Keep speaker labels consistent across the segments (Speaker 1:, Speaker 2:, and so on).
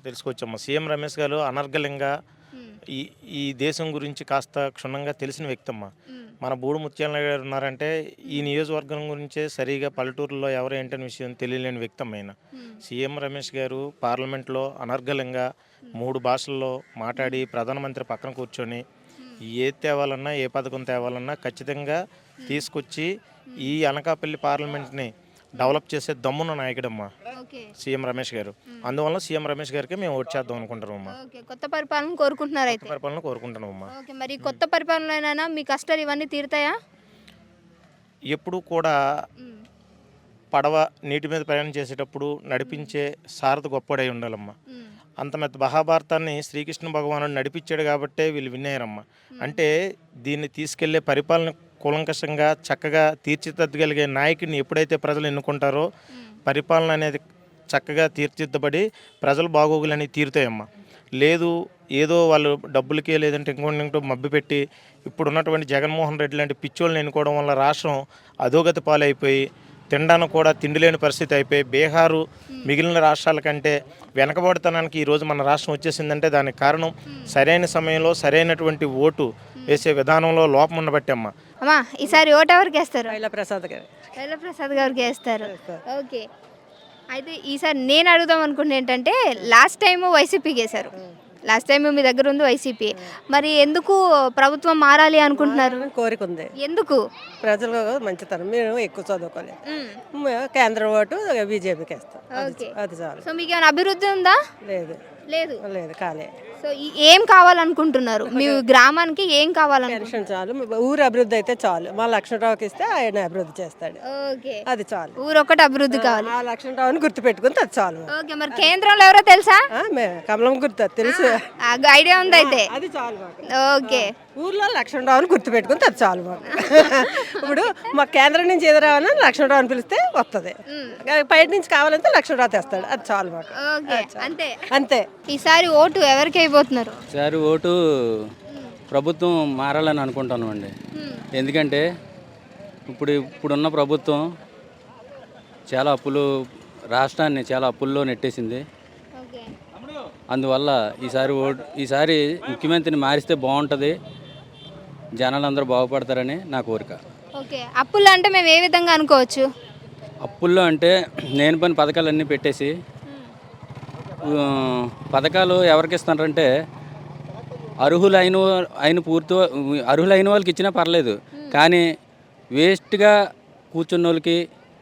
Speaker 1: తెలుసుకోవచ్చమ్మా. CM Ramesh గారు అనర్గళంగా
Speaker 2: హ్మ్.
Speaker 1: ఈ ఈ దేశం గురించి కాస్త క్షుణ్ణంగా తెలిసిన వ్యక్తమ్మా.
Speaker 2: హ్మ్.
Speaker 1: మన బూడి ముత్యాల గారు ఉన్నారంటే ఈ
Speaker 2: హ్మ్.
Speaker 1: నియోజకవర్గం గురించే సరిగా పల్లెటూరులో ఎవరు ఏంటనే విషయం తెలియలేని వ్యక్తమ్మ ఆయన.
Speaker 2: హ్మ్.
Speaker 1: సీఎం రమేష్ గారు పార్లమెంట్లో అనర్గళంగా
Speaker 2: హ్మ్.
Speaker 1: 3 భాషల్లో మాట్లాడి ప్రధానమంత్రి పక్కన కూర్చొని
Speaker 2: హ్మ్.
Speaker 1: ఏది తేవాలన్నా, ఏ పథకం తేవాలన్నా ఖచ్చితంగా
Speaker 2: హ్మ్.
Speaker 1: తీసుకొచ్చి
Speaker 2: హ్మ్.
Speaker 1: ఈ అనకాపల్లి పార్లమెంట్‌ని
Speaker 2: హ్మ్.
Speaker 1: డెవలప్ చేసే దమ్మున్న నాయకుడమ్మా
Speaker 2: ఓకే.
Speaker 1: సీఎం రమేష్ గారు.
Speaker 2: హ్మ్.
Speaker 1: అందువల్ల సీఎం రమేష్ గారికే మేము ఓటు చేద్దాం అనుకుంటున్నామమ్మా.
Speaker 2: ఓకే. కొత్త పరిపాలన
Speaker 1: కొత్త
Speaker 2: కోరుకుంటున్నారైతే.
Speaker 1: పరిపాలన కోరుకుంటున్నామమ్మా.
Speaker 2: ఓకే. మరి
Speaker 1: హ్మ్.
Speaker 2: కొత్త పరిపాలనలోనైనా మీ కష్టాలు ఇవన్నీ తీరుతాయా?
Speaker 1: ఎప్పుడూ కూడా
Speaker 2: హ్మ్.
Speaker 1: పడవ నీటి మీద ప్రయాణం చేసేటప్పుడు
Speaker 2: హ్మ్.
Speaker 1: నడిపించే సారథి గొప్పోడై ఉండాలమ్మా.
Speaker 2: హ్మ్.
Speaker 1: అంత మెత్త మహాభారతాన్ని శ్రీకృష్ణ భగవానుడు నడిపించాడు కాబట్టే వీళ్ళు విన్ అయ్యారమ్మా.
Speaker 2: హ్మ్.
Speaker 1: అంటే దీన్ని తీసుకెళ్లే పరిపాలన కూలంకషంగా చక్కగా తీర్చిదిద్దగలిగే నాయకుడిని ఎప్పుడైతే ప్రజలు ఎన్నుకుంటారో
Speaker 2: హ్మ్.
Speaker 1: పరిపాలన అనేది చక్కగా తీర్చిదిద్దబడి ప్రజల బాగోగులనేవి తీరుతాయమ్మా. లేదు ఏదో వాళ్ళు డబ్బులకే లేదంటే ఇంకోటో మభ్యపెట్టి ఇప్పుడున్నటువంటి జగన్మోహన్ రెడ్డి లాంటి పిచ్చోళ్ళని ఎన్నుకోవడం వల్ల రాష్ట్రం అధోగతి పాలైపోయి తినడానికి కూడా తిండి లేని పరిస్థితి అయిపోయి బీహారు
Speaker 2: హ్మ్.
Speaker 1: మిగిలిన రాష్ట్రాల కంటే వెనకబడతనానికి ఈరోజు మన రాష్ట్రం వచ్చేసిందంటే దానికి కారణం
Speaker 2: హ్మ్.
Speaker 1: సరైన సమయంలో సరైనటువంటి ఓటు
Speaker 2: హ్మ్.
Speaker 1: వేసే విధానంలో లోపం ఉండబట్టమ్మా.
Speaker 2: అమ్మా ఈసారి ఓటు ఎవరికేస్తారు?
Speaker 3: పైలా ప్రసాద్ గారు
Speaker 2: శైలప్రసాద్ గారికి ఏస్తారు.
Speaker 3: చేస్తారు.
Speaker 2: ఓకే. అయితే ఈసారి నేను అడుగుదాం అనుకుంది ఏంటంటే లాస్ట్ టైము వైసీపీకేశారు. లాస్ట్ టైం మీ దగ్గర ఉంది వైసీపీ. మరి ఎందుకు ప్రభుత్వం మారాలి అనుకుంటున్నారు?
Speaker 3: మారాలని కోరిక ఉంది.
Speaker 2: ఎందుకు?
Speaker 3: ప్రజలు మంచితనం మేము ఎక్కువ చదువుకోలేదు.
Speaker 2: హ్మ్.
Speaker 3: కేంద్రం ఓటు బీజేపీకి వేస్తాం.
Speaker 2: ఓకే.
Speaker 3: అది చాలు.
Speaker 2: సో మీకేమైనా అభివృద్ధి ఉందా?
Speaker 3: లేదు
Speaker 2: లేదు.
Speaker 3: లేదు కాలే.
Speaker 2: సో ఏం కావాలనుకుంటున్నారు? మీ గ్రామానికి ఏం కావాలనుకుంటున్నారు?
Speaker 3: పెన్షన్ చాలు. ఊరు అభివృద్ధి అయితే చాలు. మా లక్ష్మణరావుకి ఇస్తే ఆయన అభివృద్ధి చేస్తాడు.
Speaker 2: ఓకే.
Speaker 3: అది చాలు.
Speaker 2: ఊరొక్కటి అభివృద్ధి కావాలి.
Speaker 3: ఆ లక్ష్మణరావుని గుర్తుపెట్టుకుంటే అది చాలు.
Speaker 2: ఓకే. మరి కేంద్రంలో ఎవరో తెలుసా?
Speaker 3: కమలం గుర్తు తెలుసు.
Speaker 2: ఐడియా ఉంది అయితే.
Speaker 3: అది చాలు మాకు.
Speaker 2: ఓకే.
Speaker 3: ఊర్లో లక్ష్మణరావుని గుర్తుపెట్టుకుంటే అది చాలు మాకు. ఇప్పుడు మా కేంద్రం నుంచి ఏది రావాలని లక్ష్మణరావుని పిలిస్తే వస్తుంది. బయట నుంచి కావాలంటే లక్ష్మణరావు తెస్తాడు. అది చాలు మాకు.
Speaker 2: ఓకే. అంతే.
Speaker 3: అంతే.
Speaker 2: ఈసారి ఓటు ఎవరికి అయిపోతున్నారు?
Speaker 4: సార్ ఓటు ప్రభుత్వం మారాలని అనుకుంటున్నామండి. ఎందుకంటే ఇప్పుడున్న ప్రభుత్వం చాలా రాష్ట్రాన్ని చాలా అప్పుల్లో నెట్టేసింది.
Speaker 2: ఓకే.
Speaker 4: అందువల్ల ఈసారి ముఖ్యమంత్రిని మారిస్తే బాగుంటుంది, జనాలందరూ బాగుపడతారని నా కోరిక.
Speaker 2: ఓకే. అప్పులు అంటే మేము ఏ విధంగా అనుకోవచ్చు?
Speaker 4: అప్పుల్లో అంటే నేను పని పథకాలన్నీ పెట్టేసి పథకాలు ఎవరికి ఇస్తున్నారంటే అర్హులైన వాళ్ళకి ఇచ్చినా పర్లేదు, కానీ వేస్ట్గా కూర్చున్న వాళ్ళకి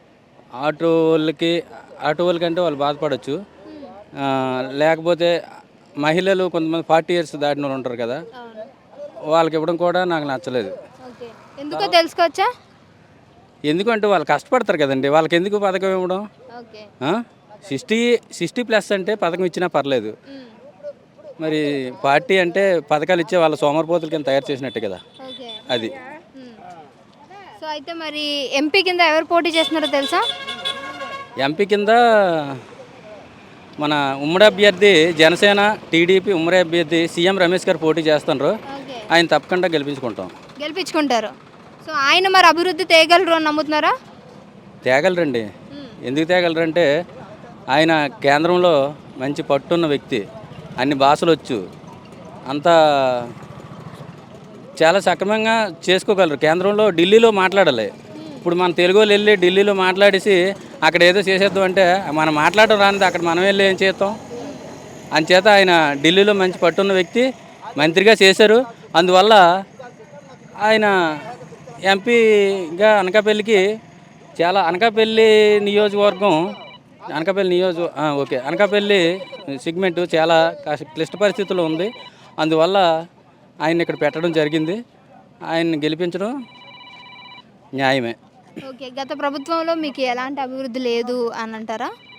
Speaker 4: ఆటో వాళ్ళకంటే వాళ్ళు బాధపడవచ్చు. లేకపోతే మహిళలు కొంతమంది 40 years దాటిన వాళ్ళు ఉంటారు కదా, వాళ్ళకి ఇవ్వడం కూడా నాకు నచ్చలేదు.
Speaker 2: ఓకే. ఎందుకో తెలుసుకోవచ్చా?
Speaker 4: ఎందుకంటే వాళ్ళు కష్టపడతారు కదండి, వాళ్ళకి ఎందుకు పథకం ఇవ్వడం?
Speaker 2: ఓకే.
Speaker 4: 60+ అంటే పథకం ఇచ్చినా పర్లేదు. మరి పార్టీ అంటే పథకాలు ఇచ్చే వాళ్ళ సోమరిపోతుల కింద తయారు చేసినట్టు కదా
Speaker 2: ఓకే.
Speaker 4: అది.
Speaker 2: సో అయితే మరి ఎంపీ కింద ఎవరు పోటీ చేస్తున్నారో తెలుసా?
Speaker 4: ఎంపీ కింద మన ఉమ్మడి అభ్యర్థి జనసేన టీడీపీ ఉమ్మడి అభ్యర్థి సీఎం రమేష్ గారు పోటీ చేస్తున్నారు.
Speaker 2: ఓకే.
Speaker 4: ఆయన తప్పకుండా గెలిపించుకుంటాం.
Speaker 2: గెలిపించుకుంటారు. సో ఆయన మరి అభివృద్ధి తేగలరు అని నమ్ముతున్నారా?
Speaker 4: తేగలరండి. ఎందుకు తేగలరంటే ఆయన కేంద్రంలో మంచి పట్టున్న వ్యక్తి, అన్ని భాషలు వచ్చు, అంతా చాలా సక్రమంగా చేసుకోగలరు. కేంద్రంలో ఢిల్లీలో మాట్లాడాలి. ఇప్పుడు మన తెలుగు వాళ్ళు వెళ్ళి ఢిల్లీలో మాట్లాడేసి అక్కడ ఏదో చేసేద్దాం అంటే మనం మాట్లాడడం రానిది అక్కడ మనం వెళ్ళి ఏం చేస్తాం? అంచేత ఆయన ఢిల్లీలో మంచి పట్టున్న వ్యక్తి, మంత్రిగా చేశారు. అందువల్ల ఆయన ఎంపీగా అనకాపల్లికి అనకాపల్లి నియోజకవర్గం అనకాపల్లి సెగ్మెంట్ చాలా క్లిష్ట పరిస్థితుల్లో ఉంది. అందువల్ల ఆయన ఇక్కడ పెట్టడం జరిగింది. ఆయన్ని గెలిపించడం న్యాయమే.
Speaker 2: ఓకే. గత ప్రభుత్వంలో మీకు ఎలాంటి అభివృద్ధి లేదు అని అంటారా?